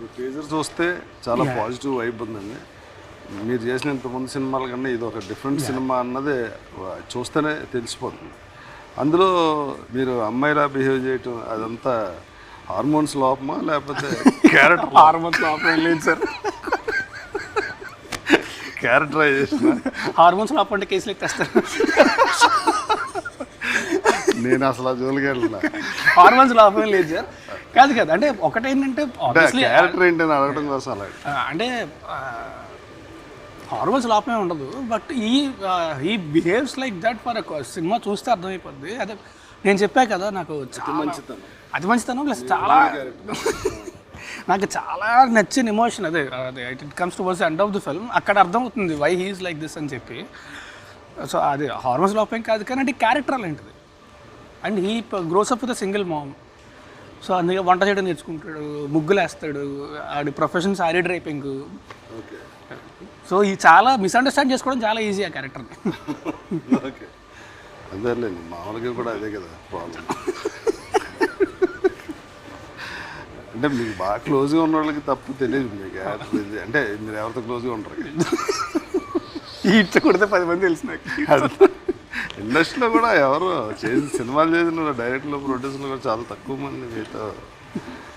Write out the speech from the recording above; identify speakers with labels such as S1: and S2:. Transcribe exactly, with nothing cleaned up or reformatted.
S1: Teaser చూస్తే చాలా positive vibe ఉందండి. మీరు చేసిన ఇంతమంది సినిమాల కన్నా ఇది ఒక డిఫరెంట్ సినిమా అన్నది చూస్తేనే తెలిసిపోతుంది. అందులో మీరు అమ్మాయిలా బిహేవ్ చేయటం అదంతా హార్మోన్స్ లోపమా లేకపోతే క్యారెక్టర్
S2: హార్మోన్స్ లోపం లేదు సార్.
S1: క్యారెక్టరైజేషన్
S2: హార్మోన్స్ లోపం అంటే కేసులు ఎత్తేస్తారు.
S1: నేను అసలు ఆ జోలికి వెళ్ళిన
S2: హార్మోన్స్ లోపం లేదు సార్. కాదు కాదు అంటే ఒకటేంటంటే
S1: క్యారెక్టర్ ఏంటని అడగడం కోసం అలా
S2: అంటే హార్మోన్స్ లోపమే ఉండదు. బట్ ఈ ఈ behaves like that for cinema చూస్తే అర్థమైపోద్ది. అదే నేను చెప్పా కదా, నాకు
S1: మంచితనం
S2: అది మంచితనం ప్లస్ చాలా నాకు చాలా నచ్చిన ఎమోషన్ అదే అదే it comes to worse end of the film. అక్కడ అర్థమవుతుంది వై హీఈస్ లైక్ దిస్ అని చెప్పి. సో అది హార్మోన్స్ లోపం కాదు కానీ అంటే క్యారెక్టర్ అలాంటిది. And he grows up with single mom. So అందుకే వంట చేయడం నేర్చుకుంటాడు, ముగ్గులు వేస్తాడు, ఆడి ప్రొఫెషన్ సారీ డ్రైపింగ్. సో ఈ చాలా మిస్అండర్స్టాండ్ చేసుకోవడం చాలా ఈజీ ఆ క్యారెక్టర్ని.
S1: ఓకే అదేలేండి, మామూలుగా కూడా అదే కదా ప్రాబ్లం. అంటే మీకు బాగా క్లోజ్గా ఉన్న వాళ్ళకి తప్పు తెలియదు మీకు క్యారెక్టర్ ఇది అంటే మీరు ఎవరితో క్లోజ్గా ఉంటారు.
S2: ఇట్లా కొడితే పది మంది తెలిసి నాకు.
S1: ఇండస్ట్రీలో కూడా ఎవరు చేసి సినిమాలు చేసిన డైరెక్టర్లు ప్రొడ్యూసర్లు కూడా చాలా తక్కువ మంది మీతో